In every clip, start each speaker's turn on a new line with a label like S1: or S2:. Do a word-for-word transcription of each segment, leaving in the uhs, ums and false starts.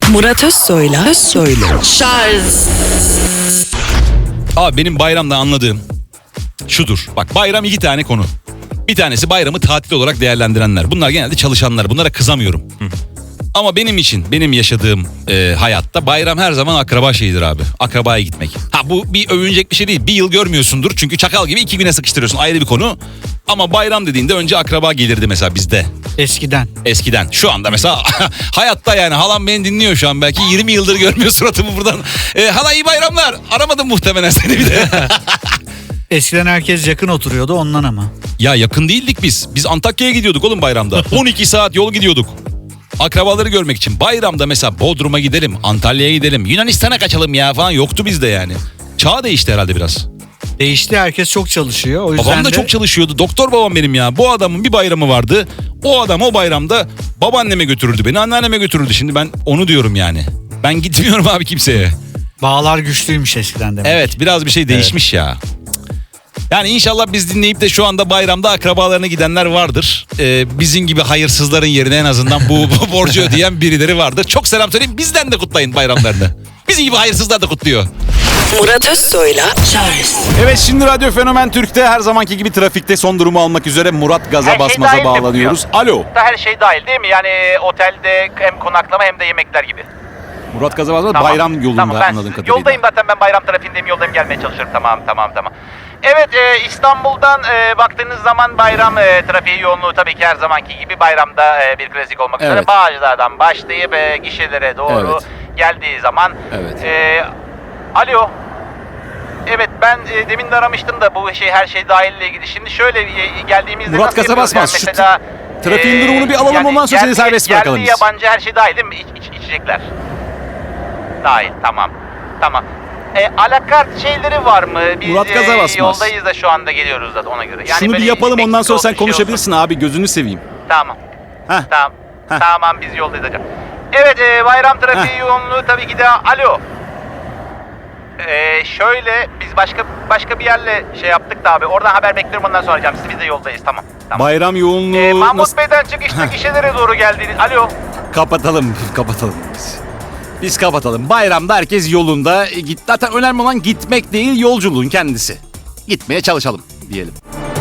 S1: Murat Özsoy'la Özsoy'la Şarj.
S2: Abi benim bayramda anladığım şudur. Bak, bayram iki tane konu. Bir tanesi bayramı tatil olarak değerlendirenler. Bunlar genelde çalışanlar. Bunlara kızamıyorum. Hı. Ama benim için, benim yaşadığım e, hayatta bayram her zaman akraba şeyidir abi. Akrabaya gitmek. Ha, bu bir övünecek bir şey değil. Bir yıl görmüyorsundur. Çünkü çakal gibi iki güne sıkıştırıyorsun. Ayrı bir konu. Ama bayram dediğinde önce akraba gelirdi mesela bizde.
S3: Eskiden.
S2: Eskiden. Şu anda mesela hayatta yani halam beni dinliyor şu an. Belki yirmi yıldır görmüyor suratımı buradan. E, hala iyi bayramlar. Aramadım muhtemelen seni bir de.
S3: Eskiden herkes yakın oturuyordu ondan ama.
S2: Ya yakın değildik biz. Biz Antakya'ya gidiyorduk oğlum bayramda. on iki saat yol gidiyorduk. Akrabaları görmek için. Bayramda mesela Bodrum'a gidelim, Antalya'ya gidelim, Yunanistan'a kaçalım ya falan yoktu bizde yani. Çağ değişti herhalde biraz.
S3: Değişti, herkes çok çalışıyor. O yüzden
S2: Babam da
S3: de...
S2: çok çalışıyordu. Doktor babam benim ya. Bu adamın bir bayramı vardı. O adam o bayramda babaanneme götürürdü beni, anneanneme götürürdü. Şimdi ben onu diyorum yani. Ben gitmiyorum abi kimseye.
S3: Bağlar güçlüymüş eskiden demek.
S2: Evet, biraz bir şey değişmiş evet. ya. Yani inşallah biz dinleyip de şu anda bayramda akrabalarına gidenler vardır. Ee, bizim gibi hayırsızların yerine en azından bu, bu borcu ödeyen birileri vardır. Çok selam söyleyeyim, bizden de kutlayın bayramlarını. Bizim gibi hayırsızlar da kutluyor.
S1: Murat Özsoy'la Şarj.
S4: Evet, şimdi Radyo Fenomen Türk'te her zamanki gibi trafikte son durumu almak üzere Murat Gaza
S5: Her şey
S4: Basmaz'a
S5: dahil mi
S4: bağlanıyoruz.
S5: bu
S4: Alo.
S5: Her şey dahil değil mi? Yani otelde hem konaklama hem de yemekler gibi.
S4: Murat Gaza Basmaz
S5: Tamam.
S4: bayram yolunda
S5: Tamam, ben
S4: anladığım kadarıyla.
S5: yoldayım zaten, ben bayram trafiğindeyim, yoldayım, gelmeye çalışıyorum. Tamam tamam tamam. Evet, e, İstanbul'dan e, baktığınız zaman bayram e, trafiği yoğunluğu tabii ki her zamanki gibi bayramda e, bir klasik olmak üzere.
S4: Evet.
S5: Bağcılar'dan başlayıp e, gişelere doğru
S4: Evet.
S5: geldiği zaman.
S4: Evet.
S5: E, alo. Evet, ben e, demin de aramıştım da bu şey her şey dahille ilgili. Şimdi şöyle e, geldiğimizde
S4: Murat
S5: nasıl
S4: Gaza
S5: yapıyoruz
S4: Basmaz,
S5: yani
S4: şu
S5: mesela,
S4: trafiğin durumunu bir alalım, ondan sonra seni serbest bırakalım
S5: Yerli
S4: biz.
S5: yabancı her şey dahil değil mi? İç, iç, içecekler. Dahil, tamam. Tamam. E, alakart şeyleri var mı? Biz
S4: Murat Gaza
S5: e,
S4: Basmaz.
S5: yoldayız da şu anda geliyoruz da ona göre. Yani
S4: Şunu bir
S5: böyle
S4: yapalım, ondan
S5: Meksika
S4: sonra sen
S5: olsun, şey
S4: konuşabilirsin
S5: olsun.
S4: abi, gözünü seveyim.
S5: Tamam.
S4: Heh.
S5: Tamam.
S4: Heh.
S5: Tamam, biz yoldayız hocam. Evet, e, bayram trafiği
S4: Heh.
S5: yoğunluğu tabii ki de. Alo. E, şöyle biz başka başka bir yerle şey yaptık da abi. Oradan haber bekliyorum, ondan sonra arayacağım. Siz biz de yoldayız, tamam. Tamam.
S4: Bayram yoğunluğu
S5: E, Mahmut
S4: nasıl...
S5: Bey'den çıkışta gişelere doğru geldiğiniz. Alo.
S4: Kapatalım, kapatalım biz. Biz kapatalım. Bayramda herkes yolunda. E, git, zaten önemli olan gitmek değil, yolculuğun kendisi. Gitmeye çalışalım diyelim.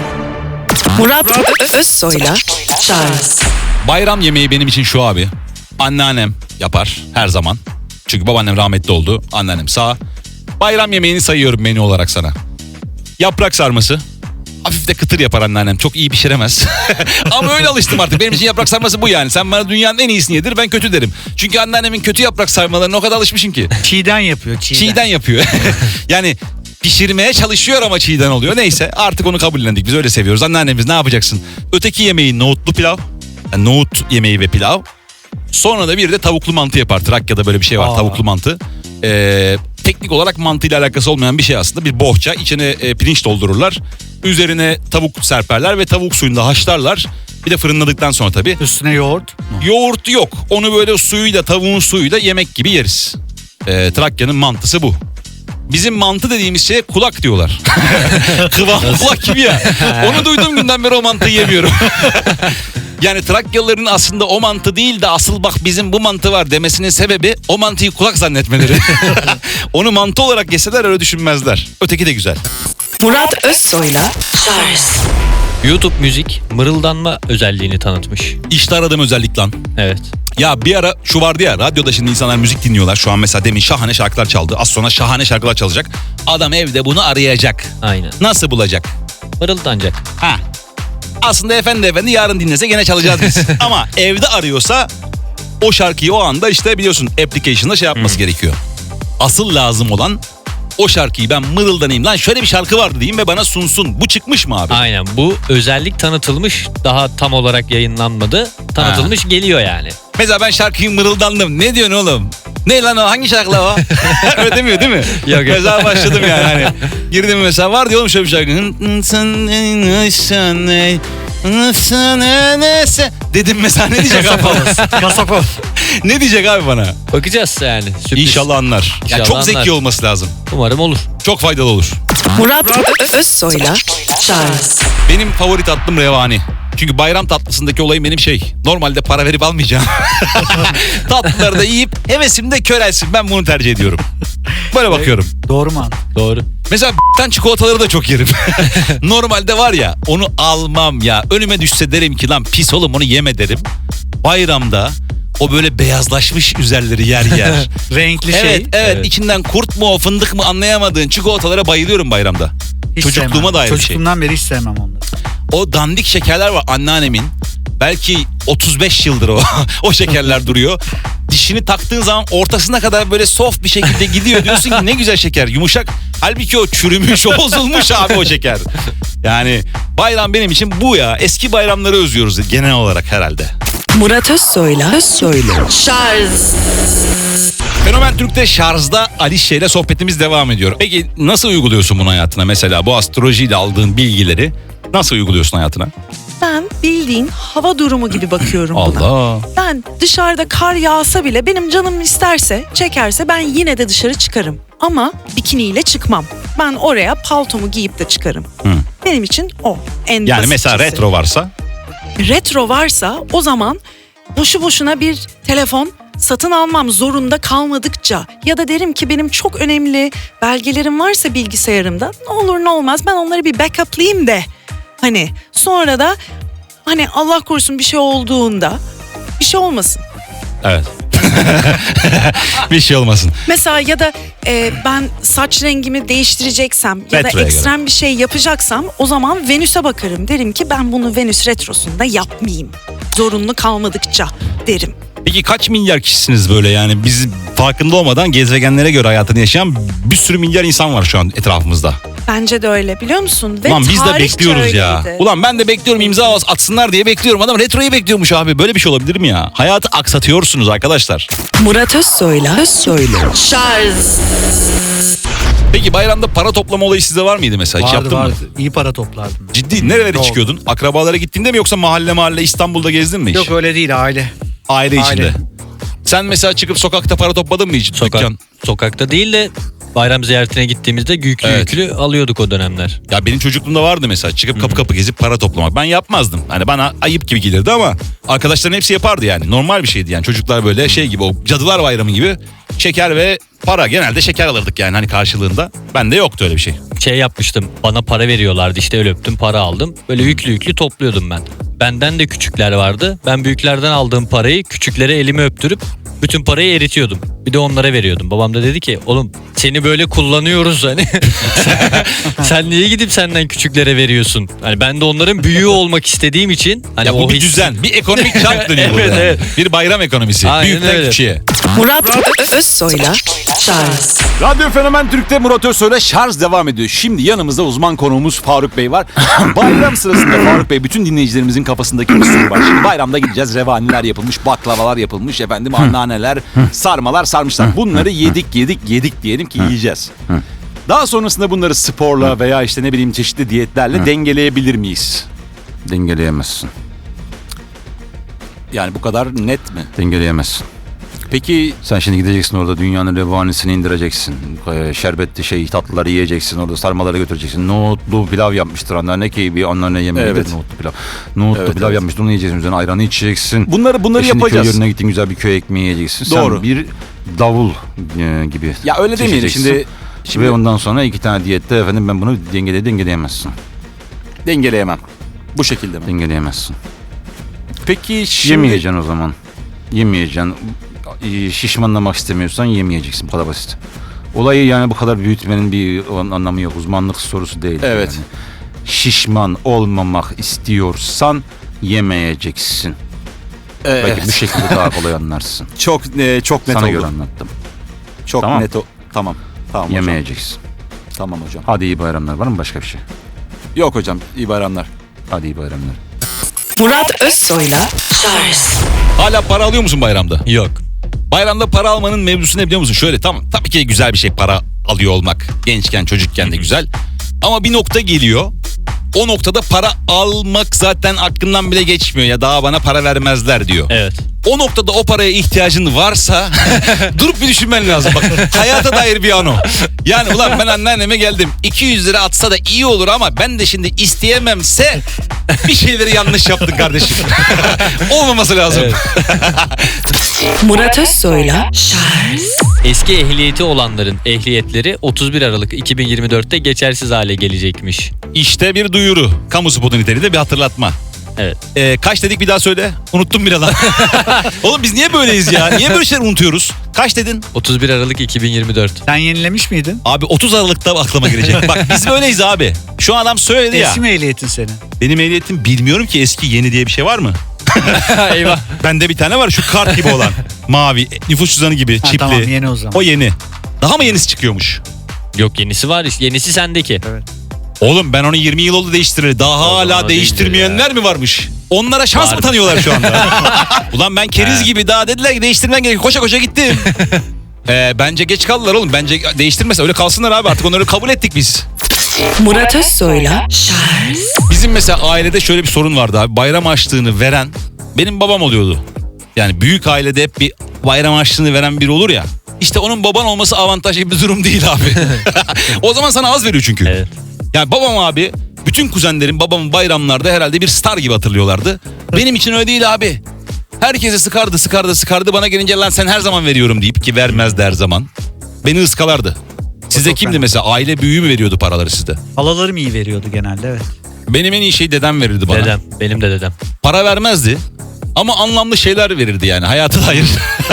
S1: Murat Özsoy'la Şarj.
S2: Bayram yemeği benim için şu abi. Anneannem yapar her zaman. Çünkü babaannem rahmetli oldu. Anneannem sağ. Bayram yemeğini sayıyorum menü olarak sana. Yaprak sarması. Hafif de kıtır yapar anneannem. Çok iyi pişiremez. Ama öyle alıştım artık. Benim için yaprak sarması bu yani. Sen bana dünyanın en iyisini yedir, ben kötü derim. Çünkü anneannemin kötü yaprak sarmalarına o kadar alışmışım ki.
S3: Çiğden yapıyor, çiğden.
S2: Çiğden yapıyor. Yani pişirmeye çalışıyor ama çiğden oluyor. Neyse, artık onu kabullendik. Biz öyle seviyoruz. Anneannemiz ne yapacaksın? Öteki yemeği nohutlu pilav. Yani nohut yemeği ve pilav. Sonra da bir de tavuklu mantı yapar. Trakya'da böyle bir şey var.
S3: Aa.
S2: Tavuklu mantı. Ee, teknik olarak mantıyla alakası olmayan bir şey aslında. Bir bohça. İçine e, pirinç doldururlar. Üzerine tavuk serperler ve tavuk suyunda haşlarlar. Bir de fırınladıktan sonra tabii.
S3: Üstüne yoğurt.
S2: Yoğurt yok. Onu böyle suyuyla, tavuğun suyuyla yemek gibi yeriz. Ee, Trakya'nın mantısı bu. Bizim mantı dediğimiz şeye kulak diyorlar. Kıvam kulak gibi ya. Onu duyduğum günden beri o mantıyı yemiyorum. Yani Trakyalıların aslında o mantı değil de asıl bak bizim bu mantı var demesinin sebebi o mantıyı kulak zannetmeleri. Onu mantı olarak yeseler öyle düşünmezler. Öteki de güzel.
S1: Murat Özsoy'la Şarj.
S6: YouTube müzik mırıldanma özelliğini tanıtmış.
S2: İşte aradığım özellik lan.
S6: Evet.
S2: Ya bir ara şu vardı ya, radyoda şimdi insanlar müzik dinliyorlar. Şu an mesela demin şahane şarkılar çaldı. Az sonra şahane şarkılar çalacak. Adam evde bunu arayacak.
S6: Aynen.
S2: Nasıl bulacak?
S6: Mırıldanacak.
S2: Ha. Aslında efendi efendi yarın dinlese gene çalacağız biz. Ama evde arıyorsa o şarkıyı o anda işte biliyorsun application'da şey yapması hmm. gerekiyor. Asıl lazım olan o şarkıyı ben mırıldanayım lan, şöyle bir şarkı vardı diyeyim ve bana sunsun. Bu çıkmış mı abi?
S6: Aynen, bu özellik tanıtılmış, daha tam olarak yayınlanmadı. Tanıtılmış, ha. Geliyor yani.
S2: Mesela ben şarkıyı mırıldandım. Ne diyorsun oğlum? Ne lan o? Hangi şarkı o? Öyle demiyor değil mi?
S6: Yok, yok.
S2: Mesela başladım yani hani. Girdim mesela, var diyor oğlum şöyle bir şarkı. Dedim mesela, ne diyecek abi bana?
S3: Kasapov.
S2: Ne diyecek abi bana?
S6: Bakacağız yani. Sürpriz.
S2: İnşallah anlar.
S6: İnşallah
S2: Yani çok
S6: anlar.
S2: zeki olması lazım.
S6: Umarım olur.
S2: Çok faydalı olur.
S1: Murat Özsoy'la Charles.
S2: Benim favori tatlım revani. Çünkü bayram tatlısındaki olayım benim şey. Normalde para verip almayacağım. Tatlıları da yiyip hevesim de körelsin. Ben bunu tercih ediyorum. Böyle bakıyorum.
S3: Doğru mu?
S6: Doğru.
S2: Mesela b***ten çikolataları da çok yerim. Normalde var ya onu almam ya. Önüme düşse derim ki lan pis oğlum onu yeme derim. Bayramda o böyle beyazlaşmış üzerleri yer yer.
S3: Renkli
S2: evet,
S3: şey.
S2: evet
S6: Evet.
S2: içinden kurt mu fındık mı anlayamadığın çikolatalara bayılıyorum bayramda.
S3: Hiç
S2: Çocukluğuma
S3: sevmem.
S2: dair bir şey.
S3: Çocukluğumdan beri hiç sevmem onları.
S2: O dandik şekerler var anneannemin. Belki otuz beş yıldır o o şekerler duruyor. Dişini taktığın zaman ortasına kadar böyle soft bir şekilde gidiyor. Diyorsun ki ne güzel şeker yumuşak. Halbuki o çürümüş o bozulmuş abi o şeker. Yani bayram benim için bu ya. Eski bayramları özlüyoruz genel olarak herhalde.
S1: Murat Özsoy'la Özsoy'la Charles.
S2: Fenomen Türk'te şarjda Alişe ile sohbetimiz devam ediyor. Peki nasıl uyguluyorsun bunu hayatına? Mesela bu astrolojiyle aldığın bilgileri nasıl uyguluyorsun hayatına?
S7: Ben bildiğin hava durumu gibi bakıyorum buna.
S2: Allah.
S7: Ben dışarıda kar yağsa bile benim canım isterse, çekerse ben yine de dışarı çıkarım. Ama bikiniyle çıkmam. Ben oraya paltomu giyip de çıkarım.
S2: Hı.
S7: Benim için o. En
S2: Yani mesela
S7: basitçisi.
S2: retro varsa?
S7: Retro varsa o zaman boşu boşuna bir telefon satın almam zorunda kalmadıkça ya da derim ki benim çok önemli belgelerim varsa bilgisayarımda ne olur ne olmaz ben onları bir backup'layayım de hani sonra da hani Allah korusun bir şey olduğunda bir şey olmasın.
S2: Evet. Bir şey olmasın.
S7: Mesela ya da e, ben saç rengimi değiştireceksem ya da
S2: Retroya
S7: ekstrem bir şey yapacaksam o zaman Venüs'e bakarım. Derim ki ben bunu Venüs retrosunda yapmayayım. Zorunlu kalmadıkça derim.
S2: Peki kaç milyar kişisiniz böyle yani biz farkında olmadan gezegenlere göre hayatını yaşayan bir sürü milyar insan var şu an etrafımızda.
S7: Bence de öyle biliyor musun? Ve
S2: Ulan biz de
S7: tarihçe
S2: bekliyoruz ya.
S7: öyleydi.
S2: Ulan ben de bekliyorum imza atsınlar diye bekliyorum. Adam retroyu bekliyormuş abi. Böyle bir şey olabilir mi ya? Hayatı aksatıyorsunuz arkadaşlar.
S1: Murat Özsoy'la Özsoy'la Charles.
S2: Peki bayramda para toplama olayı sizde var mıydı mesela? Hiç
S3: Vardı
S2: yaptın
S3: vardı.
S2: mı?
S3: İyi para toplardım.
S2: Ciddi nerelere
S3: Doğru.
S2: çıkıyordun? Akrabalara gittiğinde mi yoksa mahalle mahalle İstanbul'da gezdin mi hiç?
S3: Yok öyle değil aile.
S2: Aile içinde.
S3: Aile.
S2: Sen mesela çıkıp sokakta para topladın mı hiç?
S6: Sokak,
S2: Dükkan.
S6: sokakta değil de bayram ziyaretine gittiğimizde yüklü
S2: Evet.
S6: yüklü alıyorduk o dönemler.
S2: Ya benim çocukluğumda vardı mesela çıkıp kapı kapı gezip para toplamak. Ben yapmazdım. Hani bana ayıp gibi gelirdi ama arkadaşların hepsi yapardı yani. Normal bir şeydi yani. Çocuklar böyle şey gibi o Cadılar Bayramı gibi şeker ve para. Genelde şeker alırdık yani hani karşılığında. Bende yoktu öyle bir şey.
S6: Şey yapmıştım, bana para veriyorlardı, işte el öptüm, para aldım. Böyle yüklü yüklü topluyordum ben. Benden de küçükler vardı. Ben büyüklerden aldığım parayı küçüklere elimi öptürüp bütün parayı eritiyordum. Bir de onlara veriyordum. Babam da dedi ki oğlum seni böyle kullanıyoruz hani. sen, sen niye gidip senden küçüklere veriyorsun? Hani ben de onların büyüğü olmak istediğim için. Hani
S2: Ya bu
S6: o
S2: bir
S6: his-
S2: düzen, bir ekonomik çark dönüyor
S6: Evet,
S2: burada.
S6: evet.
S2: Bir bayram ekonomisi.
S6: Aynen
S2: Büyükten
S6: öyle.
S2: küçüğe.
S1: Murat Ö- Özsoy'la Charles.
S4: Radyo Fenomen Türk'te Murat Özsoy'la şarj devam ediyor. Şimdi yanımızda uzman konuğumuz Faruk Bey var. Bayram sırasında Faruk Bey bütün dinleyicilerimizin kafasındaki bir soru var. Şimdi bayramda gideceğiz. Revaniler yapılmış, baklavalar yapılmış, efendim anneanneler, sarmalar sarmışlar. Bunları yedik yedik yedik diyelim ki yiyeceğiz. Daha sonrasında bunları sporla veya işte ne bileyim çeşitli diyetlerle dengeleyebilir miyiz?
S8: Dengeleyemezsin.
S4: Yani bu kadar net mi?
S8: Dengeleyemezsin.
S4: Peki
S8: Sen şimdi gideceksin orada dünyanın revanisini indireceksin. Ee, Şerbetli şey tatlıları yiyeceksin. Orada sarmaları götüreceksin. Nohutlu pilav yapmıştır anneanne ki bir anneanne yemeği.
S4: Evet.
S8: Nohutlu pilav. Nohutlu
S4: Evet,
S8: pilav
S4: evet.
S8: yapmıştır. Onu yiyeceksin. Üzerine ayranı içeceksin.
S4: bunları bunları
S8: E şimdi
S4: yapacağız.
S8: köy yerine gittin güzel bir köy ekmeği yiyeceksin.
S4: Doğru.
S8: Sen bir davul e, gibi.
S4: Ya öyle demeyelim
S8: seçeceksin.
S4: şimdi. Şimdi
S8: Ve ondan sonra iki tane diyette efendim ben bunu dengele dengeleyemezsin.
S4: dengeleyemem. Bu şekilde mi?
S8: Dengeleyemezsin.
S4: Peki şimdi...
S8: Yemeyeceksin o zaman. Yemeyeceksin. E, Şişmanlamak istemiyorsan yemeyeceksin. Bu kadar basit. Olayı yani bu kadar büyütmenin bir anlamı yok. Uzmanlık sorusu değil.
S4: Evet.
S8: Yani. Şişman olmamak istiyorsan yemeyeceksin.
S4: Evet.
S8: Belki bu şekilde daha kolay anlarsın.
S4: Çok e, çok net
S8: Sana
S4: oldu.
S8: göre anlattım.
S4: Çok
S8: Tamam.
S4: net o. Tamam. Tamam hocam.
S8: Yemeyeceksin.
S4: Tamam hocam.
S8: Hadi iyi bayramlar. Var mı başka bir şey?
S4: Yok hocam. İyi bayramlar.
S8: Hadi iyi bayramlar.
S1: Murat Özsoy'la Charles.
S2: Hala para alıyor musun bayramda?
S6: Yok.
S2: Bayramda para almanın mevzusu ne biliyor musun? Şöyle tamam tabii ki güzel bir şey para alıyor olmak. Gençken çocukken de güzel. Ama bir nokta geliyor. O noktada para almak zaten aklından bile geçmiyor ya daha bana para vermezler diyor.
S6: Evet.
S2: O noktada o paraya ihtiyacın varsa durup bir düşünmen lazım. Bak hayata dair bir an o. Yani ulan ben anneanneme geldim. iki yüz lira atsa da iyi olur ama ben de şimdi isteyememse bir şeyleri yanlış yaptın kardeşim. Olmaması lazım.
S6: Evet.
S1: Murat Özsoy'la Charles
S6: Eski ehliyeti olanların ehliyetleri otuz bir Aralık iki bin yirmi dörtte geçersiz hale gelecekmiş.
S2: İşte bir duyuru. Kamu spotu niteliğinde bir hatırlatma.
S6: Evet.
S2: Ee, kaç dedik bir daha söyle. Unuttum bir lan. Oğlum biz niye böyleyiz ya? Niye böyle şeyler unutuyoruz? Kaç dedin?
S6: otuz bir Aralık iki bin yirmi dört.
S3: Sen yenilemiş miydin?
S2: Abi otuz Aralık'ta aklıma gelecek. Bak biz böyleyiz abi. Şu adam söyledi ya.
S3: Eski mi ehliyetin senin?
S2: Benim ehliyetim bilmiyorum ki eski yeni diye bir şey var mı?
S6: Eyvah.
S2: Bende bir tane var şu kart gibi olan. Mavi nüfus cüzdanı gibi
S3: Ha,
S2: çipli.
S3: tamam, yeni o zaman.
S2: O yeni. Daha mı yenisi çıkıyormuş?
S6: Yok yenisi var. Yenisi sendeki.
S2: Oğlum ben onu yirmi yıl oldu değiştireli. Daha hala
S6: zaman
S2: değiştirmeyenler mi varmış? Onlara şans
S6: Var.
S2: mı tanıyorlar şu anda? Ulan ben keriz gibi daha dediler ki değiştirmen gerekiyor. Koşa koşa gittim. Ee, bence geç kaldılar oğlum. Bence değiştirmese öyle kalsınlar abi artık onları kabul ettik biz.
S1: Murat Özsoy'la Charles
S2: Bizim mesela ailede şöyle bir sorun vardı abi. Bayram harçlığını veren benim babam oluyordu. Yani büyük ailede hep bir bayram harçlığını veren biri olur ya. İşte onun baban olması avantajlı bir durum değil abi. O zaman sana az veriyor çünkü.
S6: Evet.
S2: Yani babam abi bütün kuzenlerim babamın bayramlarda herhalde bir star gibi hatırlıyorlardı. Benim için öyle değil abi. Herkese sıkardı sıkardı sıkardı bana gelince lan sen her zaman veriyorum deyip ki vermezdi her zaman. Beni ıskalardı. Sizde
S3: çok
S2: kimdi
S3: fena.
S2: mesela aile büyüğü mü veriyordu paraları sizde?
S3: Halalarım iyi veriyordu genelde, evet.
S2: Benim en iyi şey dedem verirdi bana.
S6: Dedem. Benim de dedem.
S2: Para vermezdi ama anlamlı şeyler verirdi yani hayata dair.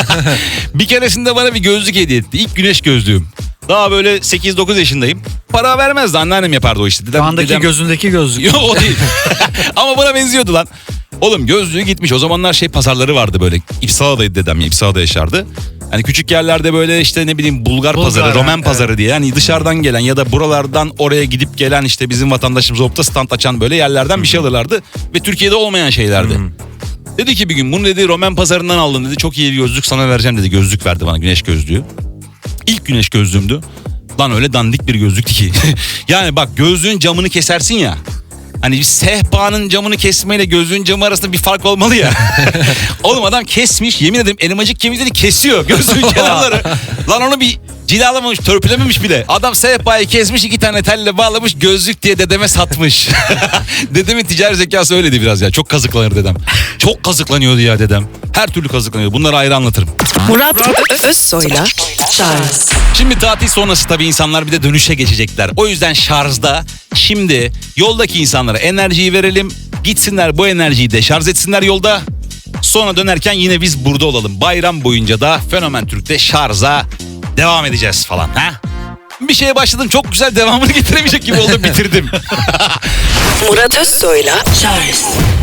S2: Bir keresinde bana bir gözlük hediye etti. İlk güneş gözlüğüm. Daha böyle sekiz dokuz yaşındayım. Para vermezdi anneannem yapardı o işte. Dedem,
S3: Şu andaki
S2: dedem...
S3: gözündeki gözlük.
S2: Yok o değil. Ama buna benziyordu lan. Oğlum gözlüğü gitmiş. O zamanlar şey pazarları vardı böyle. İpsala'daydı dedem. İpsala'da yaşardı. Hani küçük yerlerde böyle işte ne bileyim Bulgar,
S3: Bulgar,
S2: pazarı, Romen
S3: evet.
S2: pazarı diye. Yani dışarıdan gelen ya da buralardan oraya gidip gelen işte bizim vatandaşımız olup da stand açan böyle yerlerden bir şey alırlardı. Ve Türkiye'de olmayan şeylerdi. Dedi ki bir gün bunu dedi Romen pazarından aldım dedi. Çok iyi bir gözlük sana vereceğim dedi. Gözlük verdi bana, güneş gözlüğü. İlk güneş gözlüğümdü. Lan öyle dandik bir gözlüktü ki. Yani bak gözlüğün camını kesersin ya. Hani bir sehpanın camını kesmeyle gözlüğün camı arasında bir fark olmalı ya. Oğlum adam kesmiş, yemin ederim elmacık kemikleri kesiyor gözlüğün kenarları. Lan onu bir cilalamamış, törpülememiş bile. Adam sehpayı kesmiş, iki tane telle bağlamış, gözlük diye dedeme satmış. Dedemin ticari zekası öyleydi biraz ya. Çok kazıklanır dedem. Çok kazıklanıyordu ya dedem. Her türlü kazıklanıyordu. Bunları ayrı anlatırım.
S1: Murat Ö- Özsoy'la Charles
S2: Şimdi tatil sonrası tabii insanlar bir de dönüşe geçecekler. O yüzden şarjda şimdi yoldaki insanlara enerjiyi verelim. Gitsinler bu enerjiyi de şarj etsinler yolda. Sonra dönerken yine biz burada olalım. Bayram boyunca da Fenomen Türk'te şarja devam edeceğiz falan. Ha? Bir şeye başladım çok güzel devamını getiremeyecek gibi oldum bitirdim.
S1: Murat Özsoy'la Charles